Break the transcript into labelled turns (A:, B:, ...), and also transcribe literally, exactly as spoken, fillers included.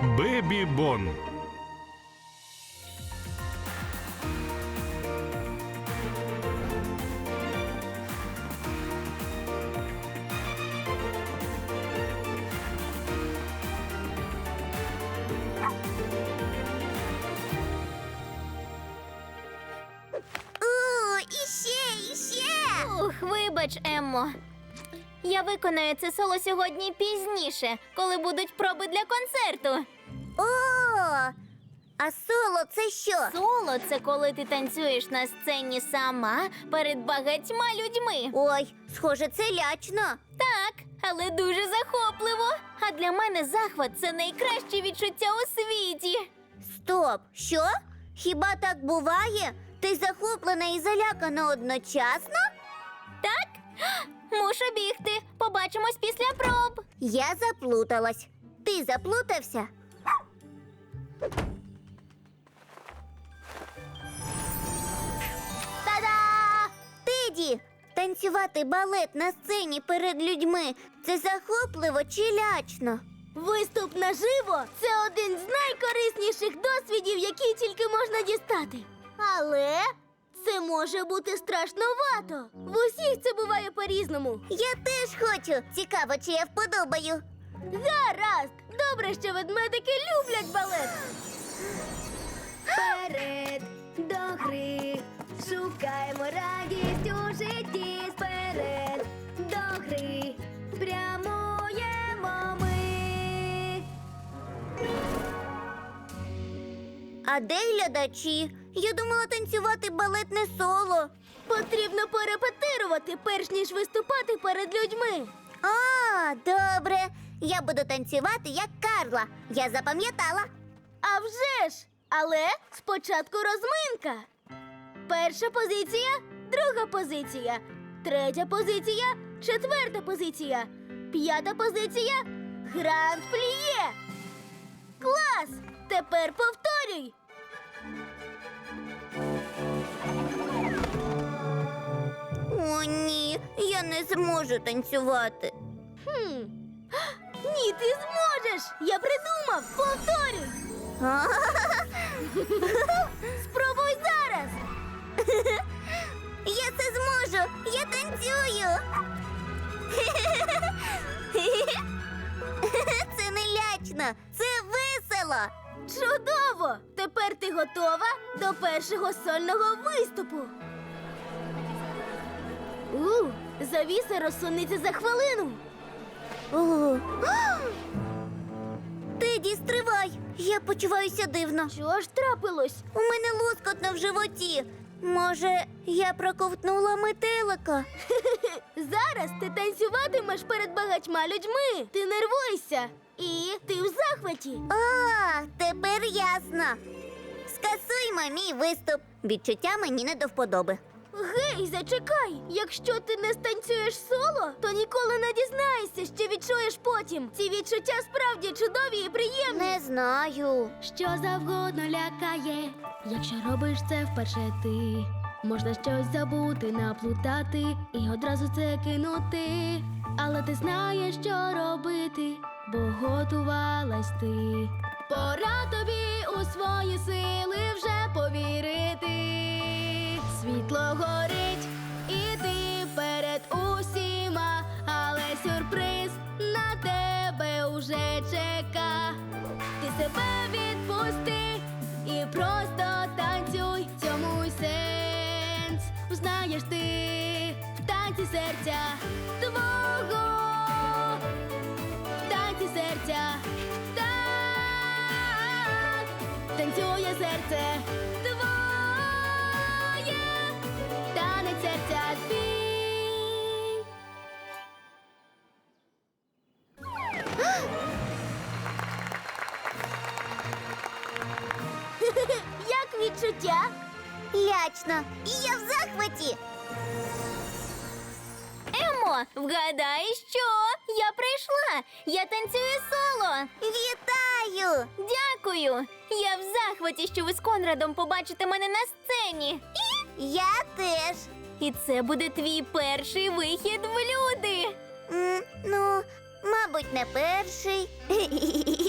A: Бебі Бон.
B: О, іще, іще!
C: Ух, вибач, Еммо. Я виконаю це соло сьогодні пізніше, коли будуть проби для концерту.
B: О, а соло це що?
C: Соло – це коли ти танцюєш на сцені сама перед багатьма людьми.
B: Ой, схоже, це лячно.
C: Так, але дуже захопливо. А для мене захват – це найкраще відчуття у світі.
B: Стоп, що? Хіба так буває? Ти захоплена і залякана одночасно?
C: Так? Мушу бігти. Побачимось після проб.
B: Я заплуталась. Ти заплутався? Та-да! Теді! Танцювати балет на сцені перед людьми – це захопливо чи лячно?
D: Виступ наживо – це один з найкорисніших досвідів, які тільки можна дістати. Але це може бути страшновато. В усіх це буває по-різному.
B: Я теж хочу. Цікаво, чи я вподобаю.
D: Гаразд! Добре, що ведмедики люблять балет. Вперед до гри, шукаємо радість у житті. Вперед до гри, прямуємо ми.
B: А де глядачі? Я думала танцювати балет не соло.
D: Потрібно порепетирувати, перш ніж виступати перед людьми.
B: А, добре. Я буду танцювати як Карла. Я запам'ятала.
D: А вже ж! Але спочатку розминка. Перша позиція, друга позиція, третя позиція, четверта позиція, п'ята позиція, гранд пліє. Клас! Тепер повторюй.
B: О, ні, я не зможу танцювати.
D: Хм. Ні, ти зможеш! Я придумав! Повторюй! Спробуй зараз!
B: Я це зможу! Я танцюю! Це не лячно, це весело!
D: Чудово! Тепер ти готова до першого сольного виступу. У, завіса розсунеться за хвилину.
B: О. Теді, стривай! Я почуваюся дивно.
D: Що ж трапилось?
B: У мене лоскотно в животі. Може, я проковтнула метелика?
D: Зараз ти танцюватимеш перед багатьма людьми. Ти нервуєшся. І ти в захваті.
B: А, тепер ясно. Скасуймо мій виступ. Відчуття мені не до вподоби.
D: Гей, зачекай! Якщо ти не станцюєш соло, то ніколи не дізнаєшся, що відчуєш потім. Ці відчуття справді чудові і приємні.
B: Не знаю.
E: Що завгодно лякає, якщо робиш це вперше ти. Можна щось забути, наплутати і одразу це кинути. Але ти знаєш, що робити, бо готувалась ти. Пора тобі у свої сили вже повірити. Світло горить, і ти перед усіма, але сюрприз на тебе уже чека. Ти себе відпусти і просто танцюй, цьому й сенс. Узнаєш ти в танці серця твого, в танці серця, так, танцює серце твоє, танець серця твій.
D: Як відчуття?
B: Лячно. І я в захваті.
C: Еммо, вгадай, що? Я прийшла. Я танцюю соло.
B: Вітаю!
C: Дякую. Я в захваті, що ви з Конрадом побачите мене на сцені.
B: Я теж.
C: І це буде твій перший вихід в люди.
B: М, ну, мабуть, не перший.